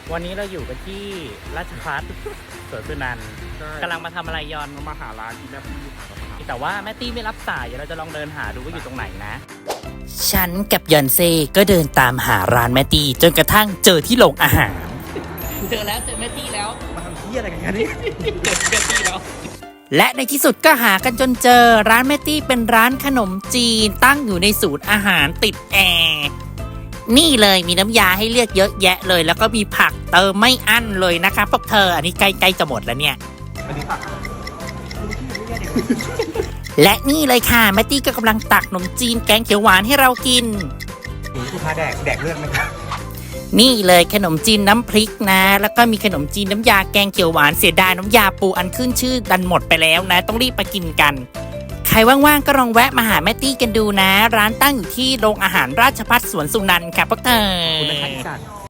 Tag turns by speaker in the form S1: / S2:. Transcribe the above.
S1: วันนี้เราอยู่กันที่ราชภัฏสวนสุนันท์กำลังมาทำอะไรยอน
S2: มาหาร้านที่แม่พี่อยู่ครับ
S1: แต่ว่าแม่ตี้ไม่รับสายเดี๋ยวเราจะลองเดินหาดูว่าอยู่ตรงไหนนะฉันกับยอนเซ่ก็เดินตามหาร้านแม่ตี้จนกระทั่งเจอที่โรงอาหารเจอแล้วเจอแม่ตี้แล้ว
S2: มาทำที่อะไรกันเนี่ยนี่
S1: เจอแม่ตี้แล้วและในที่สุดก็หากันจนเจอร้านแม่ตี้เป็นร้านขนมจีนตั้งอยู่ในศูนย์อาหารติดแอร์นี่เลยมีน้ำยาให้เลือกเยอะแยะเลยแล้วก็มีผักเติมไม่อั้นเลยนะคะพวกเธออันนี้ใกล้ๆจะหมดแล้วเนี่ย
S2: อันนี้ผัก
S1: และนี่เลยค่ะแมตตี้ก็กำลังตักขนมจีนแกงเขียวหวานให้เรากิน
S2: นี่ลูกค้าแดกเลือดไหมครับ
S1: นี่เลยขนมจีนน้ำพริกนะแล้วก็มีขนมจีนน้ำยาแกงเขียวหวานเสียดายน้ำยาปูอันขึ้นชื่อดันหมดไปแล้วนะต้องรีบไปกินกันใครว่างๆก็ลองแวะมาหาแมตตี้กันดูนะร้านตั้งอยู่ที่โรงอาหารราชภัฏสวนสุนันท์ค่ะพวกเธอ
S2: คุณนะครับอีสาน